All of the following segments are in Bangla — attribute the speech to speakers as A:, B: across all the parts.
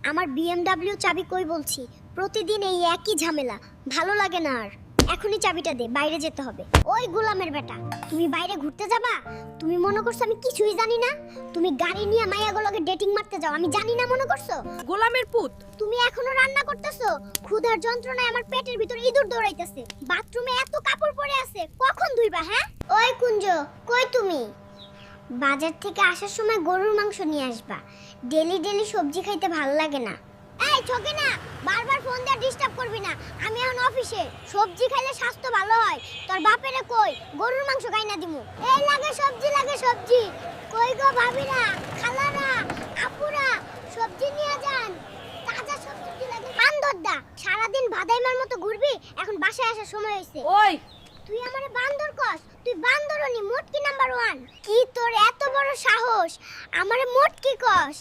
A: আমার বিএমডব্লিউ চাবি কই বলছি, প্রতিদিন এই একই ঝামেলা, ভালো লাগে না আর। এখনই চাবিটা দে, বাইরে যেতে হবে। ওই গোলামের বেটা, তুমি বাইরে ঘুরতে যাবা? তুমি মনে করছো আমি কিছুই জানি না? তুমি গাড়ি নিয়ে মাইয়াগুলোকে ডেটিং মারতে যাও, আমি জানি না মনে করছো?
B: গোলামের পুত,
A: তুমি এখনো রান্না করতেছো? ক্ষুধার যন্ত্রণায় আমার পেটের ভিতর ইঁদুর দৌড়াইতেছে। বাথরুমে এত কাপড় পরে আছে, কখন ধুইবা? হ্যাঁ, ওই কুঞ্জ, কই তুমি? বাজার থেকে আসার সময় গরুর মাংস নিয়ে আসবা। ডেলি ডেলি সবজি খাইতে ভালো লাগে না। এই ছোকে না, বারবার ফোন দিয়ে ডিস্টার্ব করবি না, আমি এখন অফিসে। সবজি খাইলে স্বাস্থ্য ভালো হয়। তোর বাপেরে কই গরুর মাংস খাই না দিমু। এই লাগে সবজি, লাগে সবজি। কই গো ভাবিরা, খালারা, আপুরা, সবজি নিয়ে যান। তাজা সবজি লাগে। বান্দরদা, সারাদিন ভাদাইমার মতো ঘুরবি, এখন বাসায় আসার সময় হয়েছে।
B: ওই
A: তুই আমারে বান্দর কস? তুই বান্দরনি, মোটকি নাম্বার 1। কি তোর এত বড় সাহস আমারে মোটকি কস?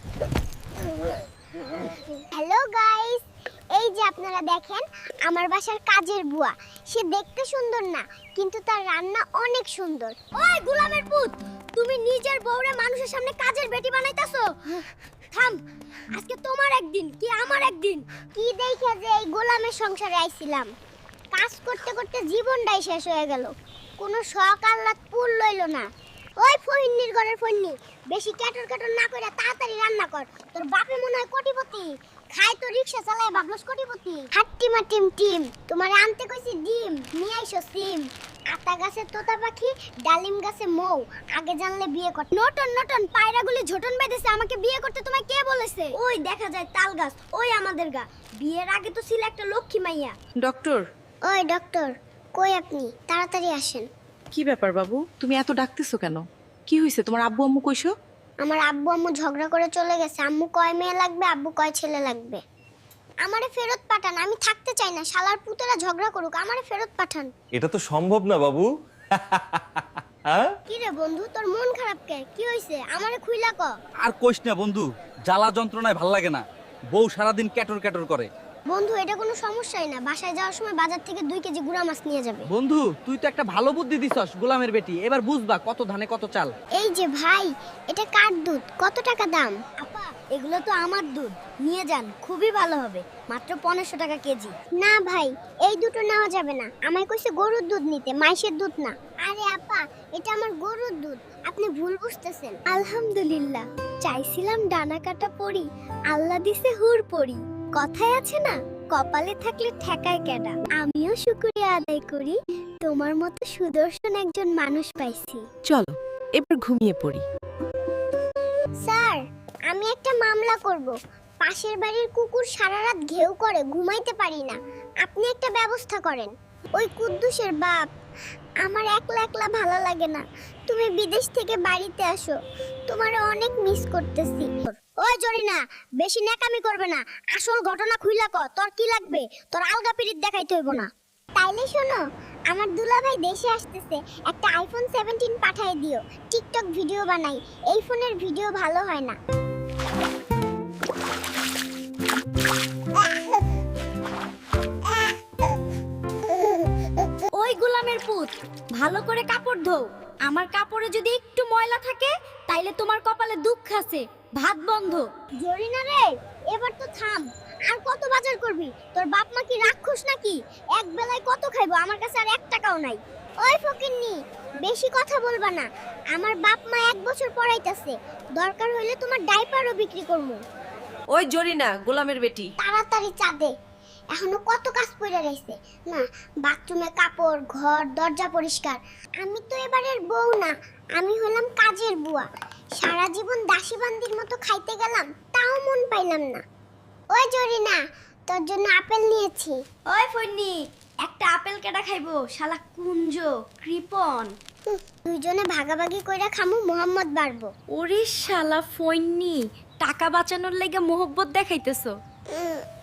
A: হ্যালো গাইস, এই যে আপনারা দেখেন আমার বাসার কাজের বুয়া। সে দেখতে সুন্দর না, কিন্তু তার রান্না অনেক সুন্দর। ওই গোলামের পুত, তুমি নিজের বউরে মানুষের সামনে কাজের বেটি বানাইতাছো? থাম, আজকে তোমার একদিন কি আমার একদিন। কি দেখে যে এই গোলামের সংসারে আইছিলাম, কাজ করতে করতে জীবনটাই শেষ হয়ে গেল। কোনো শখ আহ্লাদ পুর লইল না। ওই ফহিন্নির ঘরের ফহিন্নি, বেশি ক্যাটর ক্যাটর না করে তাড়াতাড়ি রান্না কর। তোর বাপে মনে হয় কোটিপতি, খায় তো রিকশা চালায় ভাবলস কোটিপতি। হাট্টিমা টিম টিম, তোমার আনতে কইছি ডিম, নিয়ে আইসো সিম। আতা গাছে তোতা পাখি, ডালিম গাছে মৌ, আগে জানলে বিয়ে কর। নটন নটন পায়রাগুলি ঝোটন বেঁধেছে, আমাকে বিয়ে করতে তোমায় কে বলেছে? ওই দেখা যায় তাল গাছ, ওই আমাদের গা। বিয়ের আগে তো ছিল একটা লক্ষ্মী মাইয়া।
B: ডক্টর,
A: ওই ডক্টর, কই আপনি? তাড়াতাড়ি আসেন।
B: কি ব্যাপার বাবু, তুমি এত ডাকতেছো কেন? কি হইছে? তোমার আব্বু আম্মু কইছো?
A: আমার আব্বু আম্মু ঝগড়া করে চলে গেছে। আম্মু কয় মেয়ে লাগবে, আব্বু কয় ছেলে লাগবে। আমারে ফেরত পাঠান, আমি থাকতে চাই না। শালার পুতেরা ঝগড়া করুক, আমারে ফেরত পাঠান।
C: এটা তো সম্ভব না বাবু। হ্যাঁ,
A: কি রে বন্ধু, তোর মন খারাপ কে? কি হইছে? আমারে খুইলা ক।
D: আর কইস না বন্ধু, জ্বালা যন্ত্রণায় ভাল লাগে না। বউ সারাদিন ক্যাটর ক্যাটর করে।
A: বন্ধু, এটা কোনো সমস্যাই না। বাসায় যাওয়ার সময় বাজার থেকে 2 কেজি গুড়া মাছ নিয়ে যাবে।
D: বন্ধু, তুই তো একটা ভালো বুদ্ধি দিছস গোলামের বেটি। এবার বুঝবা কত ধানে কত চাল।
A: এই যে ভাই, এটা কার দুধ? কত টাকা দাম? আপা, এগুলো তো আমার দুধ, নিয়ে যান, খুবই ভালো হবে। মাত্র 1500 টাকা কেজি। না ভাই, এই দুটো নেওয়া যাবে না। আমায় কইছে গরুর দুধ নিতে, মাইশের দুধ না। আরে আপা, এটা আমার গরুর দুধ, আপনি ভুল বুঝতেছেন। আলহামদুলিল্লাহ, চাইছিলাম ডানা কাটা পরি, আল্লাহ দিছে হুর পরি। কথায় আছে না, কপালে থাকলে ঠেকায় কেডা। আমিও শুকরিয়া আদায় করি, তোমার মতো সুদর্শন একজন মানুষ পাইছি।
B: চলো এবার ঘুমিয়ে পড়ি।
A: স্যার, আমি একটা মামলা করব। পাশের বাড়ির কুকুর সারা রাত ঘেউ করে, ঘুমাইতে পারি না। আপনি একটা ব্যবস্থা করেন। ওই কুদ্দুসের বাপ, আমার একলা একলা ভালো লাগে না। তুমি বিদেশ থেকে বাড়িতে আসো, তোমার অনেক মিস করতেছি। ওই জরিনা, বেশি ন্যাকামি করবে না। আসল ঘটনা খুইলা ক, তোর কি লাগবে? তোর আলগা পিরিত দেখাইতে হইব না। তাইলে শোনো, আমার দুলাভাই দেশে আসতেছে, একটা আইফোন 17 পাঠিয়ে দিও। টিকটক ভিডিও বানাই। এই ফোনের ভিডিও ভালো হয় না।
E: ওই গোলামের পুত, ভালো করে কাপড় ধোও। আমার কাপড়ে যদি একটু ময়লা থাকে, তাইলে তোমার কপালে দুঃখ আছে। ভাত বন্ধ।
A: জরিনা রে, এবার তো থাম। আর কত বাজার করবি? তোর বাপ মা কি রাক্ষস নাকি? এক বেলায় কত খাইবো? আমার কাছে আর 1 টাকাও নাই। ওই ফকিন্নি, বেশি কথা বলবা না। আমার বাপ মা 1 বছর পড়াইতাছে, দরকার হইলে তোমার ডাইপারও বিক্রি করবো।
B: ওই জরিনা, গোলামের বেটি,
A: তাড়াতাড়ি চা দে, এখনো কত কাজ পড়ে রইছে। না, বাথরুমে কাপড়, ঘর দরজা পরিষ্কার। আমি তো এবারের বউ না, আমি হলাম কাজের বুয়া। সারা জীবন দাসীবান্দির মতো খাইতে গেলাম, তাও মন পাইলাম না। ওই জরিনা, তোর জন্য আপেল নিয়েছি।
E: ওই ফন্নি, একটা আপেল কেডা খাইবো? শালা কুঞ্জ, কৃপন।
A: দুইজনে ভাগাভাগি কইরা খামু, মোহাম্মদ বাড়বো।
E: ওরে শালা ফন্নি, টাকা বাঁচানোর লাগা মোহব্বত দেখাইতেছো।